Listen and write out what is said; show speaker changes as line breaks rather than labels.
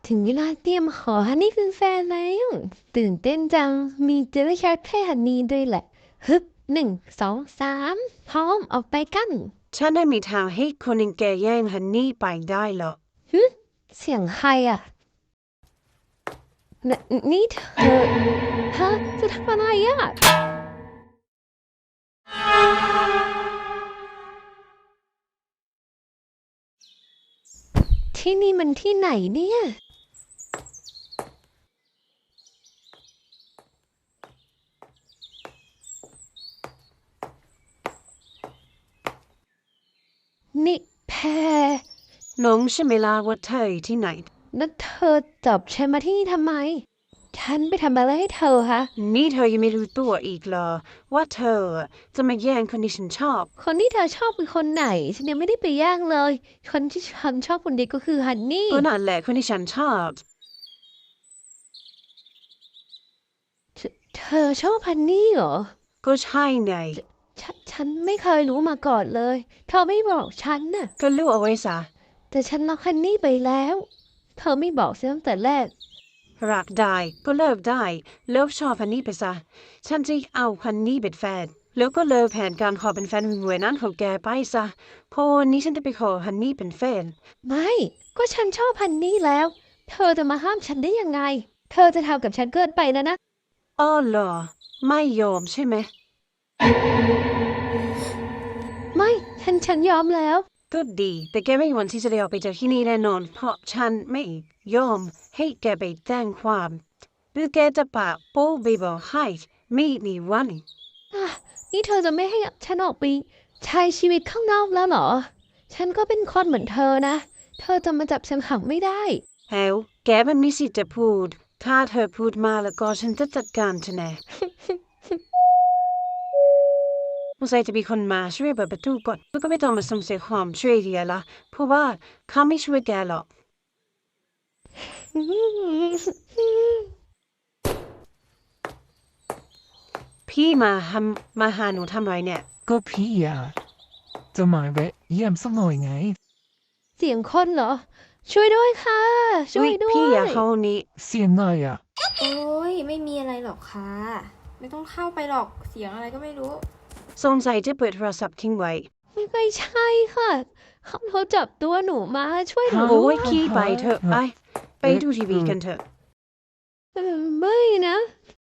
ถึงเวลาเตรียมขอฮันนี่เป็นแฟนแล้วตื่นเต้นจังมีเจลลี่ชาร์ตให้ฮันนี่ด้วยแหละฮึบ1 2 3พร้อมออกไปกัน
ฉันไม่มีทางให้คนอย่างแกแย่งฮันนี่ไปได้หรอก
ฮึเสียงใครอ่ะนนี่เธอฮะจะทำอะไรอ่ะที่นี่มันที่ไหนเนี่ยนี่แพร
หลงใช่ไหมล่ะว่าเธออยู่ที่ไหน
แล้วเธอจับฉันมาที่นี่ทำไมฉันไปทำอะไรให้เธอคะ
นี่เธอยังไม่รู้ตัวอีกเหรอว่าเธอจะมาแย่งคนที่ฉันชอบ
คนที่เธอชอบคือคนไหนฉันยังไม่ได้ไปย่างเลยคนที่ฉันชอบคนเดียวก็คือฮันนี่
ก็นั่นแหละคนที่ฉันชอบ
เธอชอบฮันนี่เหรอ
ก็ใช่ไง
ฉันไม่เคยรู้มาก่อนเลยเธอไม่บอกฉันน่ะ
ก็รู้เอาไว้ซะ
แต่ฉันรักฮันนี่ไปแล้วเธอไม่บอกฉันตั้งแต่แรก
รักได้ก็เลิกได้เลิกชอบฮันนี่ไปซะฉันจะเอาฮันนี่เป็นแฟนแล้วก็เลิกแผนการขอเป็นแฟนหวยๆนั้นของแกไปซะเพราะวันนี้ฉันจะไปขอฮันนี่เป็นแฟน
ไม่ก็ฉันชอบฮันนี่แล้วเธอจะมาห้ามฉันได้ยังไงเธอจะทำกับฉันเกินไปแล้วนะ
อ้อเหรอไม่ยอมใช่ไหม
ไม่ฉันยอมแล้ว
ก็ดีแต่แกไม่มีวันที่จะได้ออกไปจากที่นี่แน่นอนเพราะฉันไม่ยอมให้แกไปแจ้งความหรือแกจะปะโป้ไปบอกให้ไม่มีวัน
อ่ะนี่เธอจะไม่ให้ฉันออกไปใช้ชีวิตข้างนอกแล้วเหรอฉันก็เป็นคนเหมือนเธอนะเธอจะมาจับฉันขังไม่ได้
แล้วแกมันมีสิทธิ์จะพูดถ้าเธอพูดมาแล้วก็ฉันจะจัดการเธอแน่สงสัยจะมีคนมาช่วยเปิดประตูก่อนแล้วก็ไม่ต้องมาส่งเสียความช่วยเหลือละเพราะว่าเขาไม่ช่วยแกหรอกพี่มาหาหนูทำไรเนี่ย
ก็พี่อะจะมาแวะเยี่ยมสักหน่อยไง
เสียงคนเหรอช่วยด้วยค่ะช่
อุ๊ย
วยด้ว
พี่อย่า
ย
เข้านี้
เสียงอะไรอะ
โอ้ยไม่มีอะไรหรอกค่ะไม่ต้องเข้าไปหรอกเสียงอะไรก็ไม่รู้
สงสัยจะเปิดโทรศัพท์ทิ้งไว้
ไม่ใช่ค่ะเขาจับตัวหนูมาช่วยหนู
ฮะ
โอ้
ด้วย
ยขี้ไปเถอะไปดูทีวีกันเถอะ
ไม่นะ